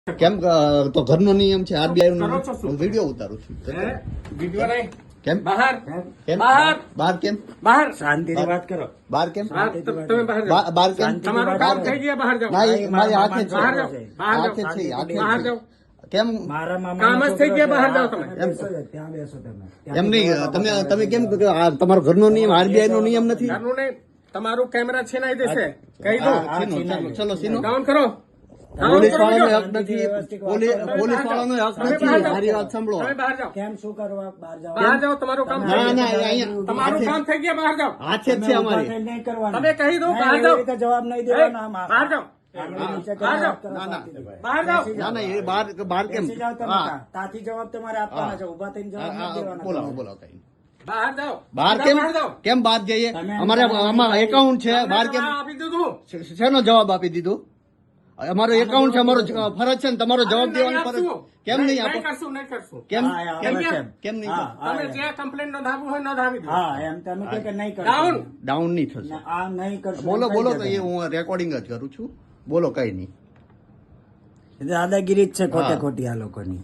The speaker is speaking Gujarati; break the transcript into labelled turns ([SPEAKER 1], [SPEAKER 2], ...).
[SPEAKER 1] કેમ તો ઘરનો નિયમ છે આરબીઆઈ નો વિડીયો ઉતારું છું
[SPEAKER 2] વિડીયો નહીં
[SPEAKER 1] કેમ
[SPEAKER 2] બહાર
[SPEAKER 1] કેમ
[SPEAKER 2] બહાર
[SPEAKER 1] બહાર કેમ
[SPEAKER 2] બહાર
[SPEAKER 3] શાંતિથી વાત કરો.
[SPEAKER 1] બહાર કેમ
[SPEAKER 2] તમે બહાર જાઓ.
[SPEAKER 1] બહાર કેમ
[SPEAKER 2] તમારું કામ થઈ ગયા બહાર જાઓ
[SPEAKER 1] ના એ મારી હાથે છે
[SPEAKER 2] બહાર જાઓ બહાર
[SPEAKER 1] હાથે
[SPEAKER 2] જાઓ
[SPEAKER 1] છે હાથે
[SPEAKER 2] બહાર
[SPEAKER 1] છે
[SPEAKER 2] જાઓ
[SPEAKER 1] કેમ
[SPEAKER 3] મારા
[SPEAKER 2] કામ
[SPEAKER 3] મામા
[SPEAKER 2] જ થઈ ગયા બહાર જાઓ તમે
[SPEAKER 3] ત્યાં બેસો તમે.
[SPEAKER 1] એમ નહીં તમે કેમ કે આ તમારો ઘરનો નિયમ આરબીઆઈ નો નિયમ નથી
[SPEAKER 2] ઘરનું નહીં તમારું કેમેરા છીનાઈ જશે કહી દો
[SPEAKER 1] હા, સીનો, ચલો સીનો
[SPEAKER 2] ડાઉન કરો
[SPEAKER 1] પોલીસ વાળાનો હક નથી પોલીસ વાળાનો હક નથી મારી વાત સાંભળો
[SPEAKER 2] તમે બહાર જાઓ
[SPEAKER 3] કેમ શું કરવા બહાર જાઓ?
[SPEAKER 2] બહાર જાઓ તમારું કામ થઈ
[SPEAKER 1] ના
[SPEAKER 2] ગયું.
[SPEAKER 1] ના અહીંયા
[SPEAKER 2] તમારું કામ થઈ ગયા બહાર જાઓ
[SPEAKER 1] હાથે જ છે અમારી
[SPEAKER 3] નહીં કરવાનું.
[SPEAKER 2] તમે કહી દો
[SPEAKER 3] નહીં,
[SPEAKER 2] બહાર
[SPEAKER 3] એવી
[SPEAKER 2] જાઓ
[SPEAKER 3] રીતે જવાબ નહીં દેવાનો. આમ
[SPEAKER 2] બહાર જાઓ
[SPEAKER 3] આંગળી નીચે
[SPEAKER 2] બહાર
[SPEAKER 3] કરીને
[SPEAKER 2] જાઓ.
[SPEAKER 3] વાત કરો
[SPEAKER 1] ના, ના.
[SPEAKER 3] શાંતિથી.
[SPEAKER 2] બહાર જાઓ
[SPEAKER 1] ના ના એ બહાર કેમ
[SPEAKER 3] બેસી જાઓ તમે
[SPEAKER 1] હા
[SPEAKER 3] ત્યાં. ત્યાંથી જવાબ તમારે આપવાના છે. ઉભા થઈને જવાબ નથી દેવાના.
[SPEAKER 1] બોલાવો બોલાવો કઈ
[SPEAKER 2] બહાર જાઓ
[SPEAKER 1] બહાર
[SPEAKER 2] સીધા
[SPEAKER 1] કેમ
[SPEAKER 2] બહાર જાઓ
[SPEAKER 1] કેમ બહાર જઈએ
[SPEAKER 3] તમે
[SPEAKER 1] અમારે આમાં એકાઉન્ટ છે બહાર કેમ
[SPEAKER 2] આપી દીધું
[SPEAKER 1] શેનો જવાબ આપી દીધું અમારો એકાઉન્ટ છે અમારો ફરજ છે ને તમારો જવાબ દેવાની ફરજ કેમ નહીં આપો
[SPEAKER 2] કરશું નહીં કરશું
[SPEAKER 1] કેમ
[SPEAKER 3] હા, હા,
[SPEAKER 1] કેમ
[SPEAKER 3] બરાબર છે.
[SPEAKER 1] કેમ નહીં
[SPEAKER 3] હા, હા,
[SPEAKER 2] તમે જે કમ્પ્લેન નોંધાવી હોય નોંધાવી દો
[SPEAKER 3] હા એમ તમે કહો કે નહીં
[SPEAKER 2] ડાઉન
[SPEAKER 3] કરશો.
[SPEAKER 1] ડાઉન નહીં થશે
[SPEAKER 3] આ નહીં કરશો.
[SPEAKER 1] બોલો
[SPEAKER 3] એમ
[SPEAKER 1] બોલો
[SPEAKER 3] કહી
[SPEAKER 1] તો
[SPEAKER 3] દે
[SPEAKER 1] એ હું રેકોર્ડિંગ જ કરું છું બોલો કઈ નહીં
[SPEAKER 3] તમે. દાદાગીરી જ છે ખોટે
[SPEAKER 1] હા.
[SPEAKER 3] ખોટી આ લોકોની.